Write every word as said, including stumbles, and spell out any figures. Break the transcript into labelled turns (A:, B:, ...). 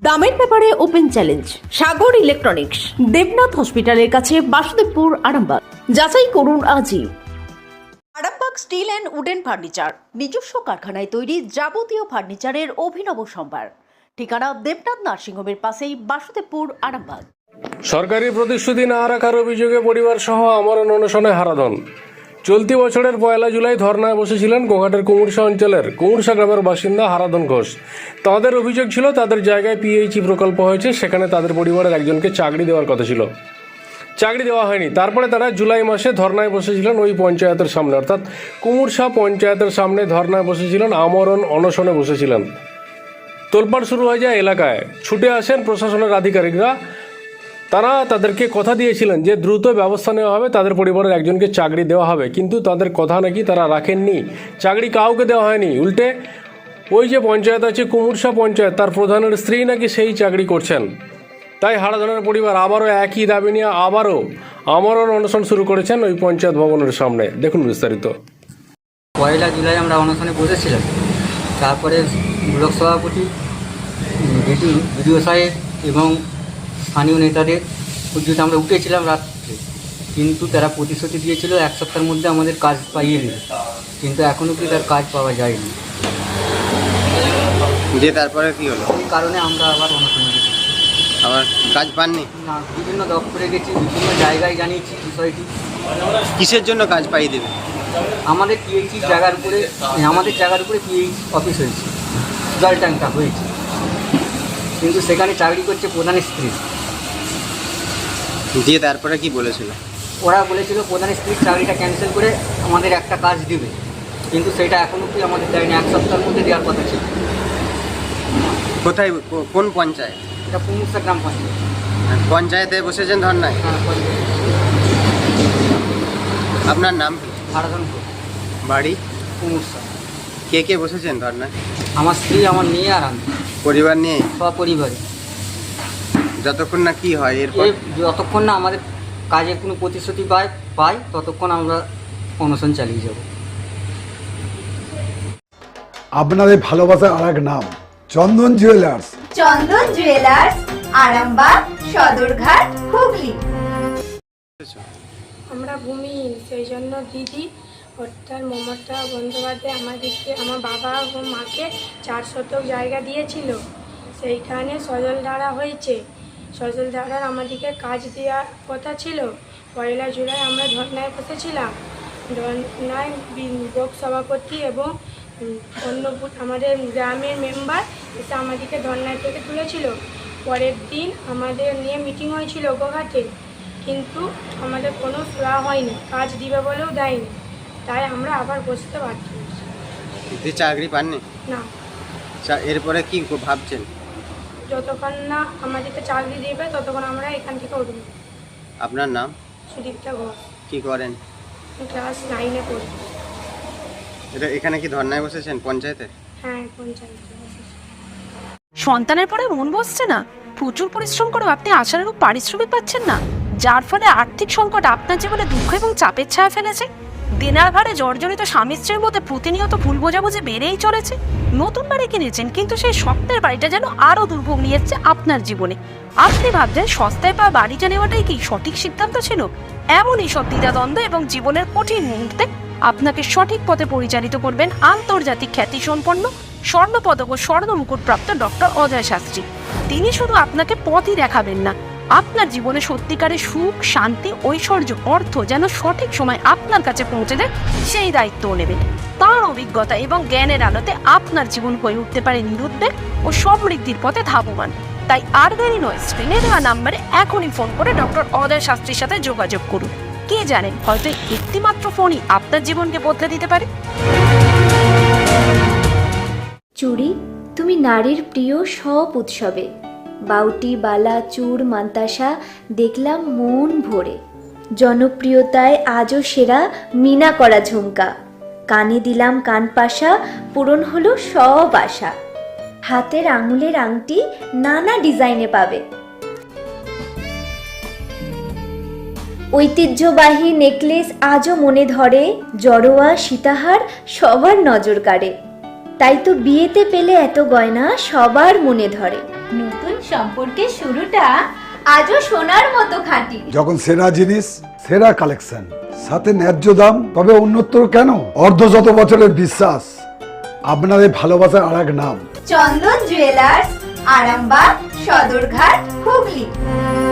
A: দামের ব্যাপারে open challenge Sagar electronics, Debnath হসপিটালের কাছে, বাসুদেবপুর, আরামবাগ। যাচাই করুন আজই। Arambag steel and wooden furniture, নিজস্ব কারখানায় তৈরি যাবতীয় ফার্নিচারের অভিনব সম্ভার। ঠিকানা দেবনাথ নার্সিংহোমের পাশেই, বাসুদেবপুর, আরামবাগ।
B: সরকারি প্রতিশ্রুতি না রাখার অভিযোগে পরিবার সহ আমরণ অনশনে হারাধন। চলতি বছরের পয়লা জুলাই ধর্নায় বসেছিলেন গোঘাটের কুমুরসা অঞ্চলের কুমুরসা গ্রামের বাসিন্দা হারাধন ঘোষ। তাদের অভিযোগ ছিল তাদের জায়গায় পিএইচই প্রকল্প হয়েছে, সেখানে তাদের পরিবারের একজনকে চাকরি দেওয়ার কথা ছিল, চাকরি দেওয়া হয়নি। তারপরে তারা জুলাই মাসে ধর্নায় বসেছিলেন ওই পঞ্চায়েতের সামনে, অর্থাৎ কুমুরসা পঞ্চায়েতের সামনে ধর্নায় বসেছিলেন, আমরণ অনশনে বসেছিলেন। তোলপাড় শুরু হয়ে যায় এলাকায়, ছুটে আসেন প্রশাসনের আধিকারিকরা। তারা তাদেরকে কথা দিয়েছিলেন যে দ্রুত ব্যবস্থা নেওয়া হবে, তাদের পরিবারের একজনকে চাকরি দেওয়া হবে, কিন্তু তাদের কথা নাকি তারা রাখেননি। চাকরি কাউকে দেওয়া হয়নি, উল্টে ওই যে পঞ্চায়েত আছে কুমুরসা পঞ্চায়েত, তার প্রধানের স্ত্রী নাকি সেই চাকরি করছেন। তাই হারাধনের পরিবার আবারও একই দাবি নিয়ে আবারও আমরণ অনশন শুরু করেছেন ওই পঞ্চায়েত ভবনের সামনে। দেখুন বিস্তারিত।
C: পয়লা জুলাই আমরা অনশনে বসেছিলাম। তারপরে ব্লক সভাপতি, বিডিও সাহেব এবং স্থানীয় নেতাদের উদ্যোগে আমরা উঠেছিলাম রাত্রে, কিন্তু তারা প্রতিশ্রুতি দিয়েছিল এক সপ্তাহের মধ্যে আমাদের কাজ পাইয়ে দেবে, কিন্তু এখনও কি তার কাজ পাওয়া যায়নি।
D: যে তারপরে কি হলো?
C: এই কারণে আমরা আবার অনশনে গেছি।
D: আবার কাজ পাননি?
C: না, বিভিন্ন দপ্তরে গেছি, বিভিন্ন জায়গায় জানিয়েছি বিষয়টি।
D: কিসের জন্য কাজ পাইয়ে দেবে?
C: আমাদের পিএইচি জায়গার উপরে, আমাদের জায়গার উপরে পিএইচ অফিস হয়েছে, জল ট্যাঙ্কটা হয়েছে, কিন্তু সেখানে চাকরি করছে প্রধানের স্ত্রী।
D: দিয়ে তারপরে কি বলেছিল?
C: ওরা বলেছিল প্রধানের স্ত্রীর চাকরিটা ক্যান্সেল করে আমাদের একটা কাজ দিবে, কিন্তু সেটা এখনও কি আমাদের দেয়নি। এক সপ্তাহের মধ্যে দেওয়ার কথা ছিল।
D: কোথায়, কোন পঞ্চায়েত?
C: এটা কুমুরসা গ্রাম পঞ্চায়েত।
D: পঞ্চায়েতে বসেছেন ধর্নায়?
C: হ্যাঁ, পঞ্চায়েত।
D: আপনার নাম কি?
C: হারাধন
D: বাড়ি?
C: কুমুরসা।
D: কে কে বসেছেন ধর্নায়?
C: আমার স্ত্রী, আমার মেয়ে আর আমি,
D: পরিবার নিয়ে?
C: সপরিবারে।
D: যতক্ষণ না কি হয় এরপর?
C: যতক্ষণ না আমাদের কাজে কোনো প্রতিশ্রুতি পাই পাই ততক্ষণ আমরা অনশন চালিয়ে যাব।
E: আপনাদের ভালোবাসার আর এক নাম চন্দন জুয়েলার্স।
F: চন্দন জুয়েলার্স, আরামবাগ, সদরঘাট, হুগলি।
G: আমরা ভূমিহীন, সেই জন্য দিদি অর্থাৎ মমতা বন্দ্যোপাধ্যায় আমাদেরকে, আমার বাবা ও মাকে চার শতক জায়গা দিয়েছিল। সেইখানে সজলধারা হয়েছে, সজলধারার আমাদেরকে কাজ দেওয়ার কথা ছিল। পয়লা জুলাই আমরা ধর্নায় বসেছিলাম। ধর্নায় ব্লক সভাপতি এবং অন্য আমাদের গ্রামের মেম্বার এসে আমাদেরকে ধর্নায় থেকে তুলেছিল। পরের দিন আমাদের নিয়ে মিটিং হয়েছিল গোঘাটে, কিন্তু আমাদের কোনো সুরা হয়নি, কাজ দিবে বলেও দেয়নি। তাই আমরা আবার বসতে বাধ্য হয়েছি।
D: চাকরি পাননি?
G: না।
D: এরপরে কি ভাবছেন?
G: যতক্ষণ না আমাদেরকে চাকরি দেবে ততক্ষণ আমরা এখান থেকে উঠব।
D: আপনার নাম?
G: সুদীপ্তা ঘোষ।
D: কি করেন?
G: ক্লাস নাইনে পড়ি।
D: এটা এখানে কি ধর্নায় বসেছেন পঞ্চায়েতে?
G: হ্যাঁ, পঞ্চায়েতে।
H: সন্তানের পরে মন বসছে না, প্রচুর পরিশ্রম করেও আপনি আশানুরূপ পারিশ্রমিক পাচ্ছেন না, যার ফলে আর্থিক সংকট আপনার জীবনে দুঃখ এবং চাপের ছায়া ফেলেছে। দিনার ভারে জর্জরিত স্বামী স্ত্রীর মধ্যে প্রতিনিয়ত ভুল বোঝাবুঝি বেড়েই চলেছে। নতুন বাড়ি কিনেছেন, কিন্তু সেই স্বপ্নের বাড়িটা যেন আরও দুর্ভোগ নিয়ে এসছে আপনার জীবনে। আপনি ভাবছেন সস্তায় পাওয়া বাড়িটা নেওয়াটাই কি সঠিক সিদ্ধান্ত ছিল? এমনই সব দ্বিধাদ্বন্দ্ব এবং জীবনের কঠিন মুহূর্তে আপনাকে সঠিক পথে পরিচালিত করবেন আন্তর্জাতিক খ্যাতিসম্পন্ন স্বর্ণপদক ও স্বর্ণ মুকুটপ্রাপ্ত ডক্টর অজয় শাস্ত্রী। তিনি শুধু আপনাকে পথই দেখাবেন না, আপনার জীবনে সত্যিকারের সুখ, শান্তি, ঐশ্বর্য, অর্থ যেন সঠিক সময় আপনার কাছে পৌঁছে দেয় সেই দায়িত্বও নেবেন। তাঁর অভিজ্ঞতা এবং জ্ঞানের আলোতে আপনার জীবন হয়ে উঠতে পারে নিরুদ্বেগ ও সমৃদ্ধির পথে ধাবমান। তাই আর দেরি নয়, স্ক্রিনে দেওয়া নাম্বারে এখনই ফোন করে ডক্টর অজয় শাস্ত্রীর সাথে যোগাযোগ করুন। কে জানেন, হয়তো একটি মাত্র ফোনই আপনার জীবনকে বদলে দিতে পারে।
F: চুড়ি, তুমি নারীর প্রিয় সব উৎসবে। বাউটি, বালা, চূড়, মান্তাসা দেখলাম মন ভরে। জনপ্রিয়তায় আজও সেরা মিনা করা ঝুমকা। কানে দিলাম কানপাশা, পূরণ হলো সব আশা। হাতের আঙুলের আংটি নানা ডিজাইনে পাবে। ঐতিহ্যবাহী নেকলেস আজও মনে ধরে। জড়োয়া, সীতাহার সবার নজর কাড়ে। তাই তো বিয়েতে পেলে এত গয়না সবার মনে ধরে। নতুন সম্পর্কের শুরুটা আজও সোনার মতো খাঁটি।
E: যখন সেরা জিনিস, সেরা কালেকশন, সাথে ন্যায্য দাম, তবে উন্নতর কেন? অর্ধ শত বছরের বিশ্বাস, আপনাদের ভালোবাসার আর এক নাম।
F: চন্দন জুয়েলার্স, আরামবাগ, সদরঘাট, হুগলি।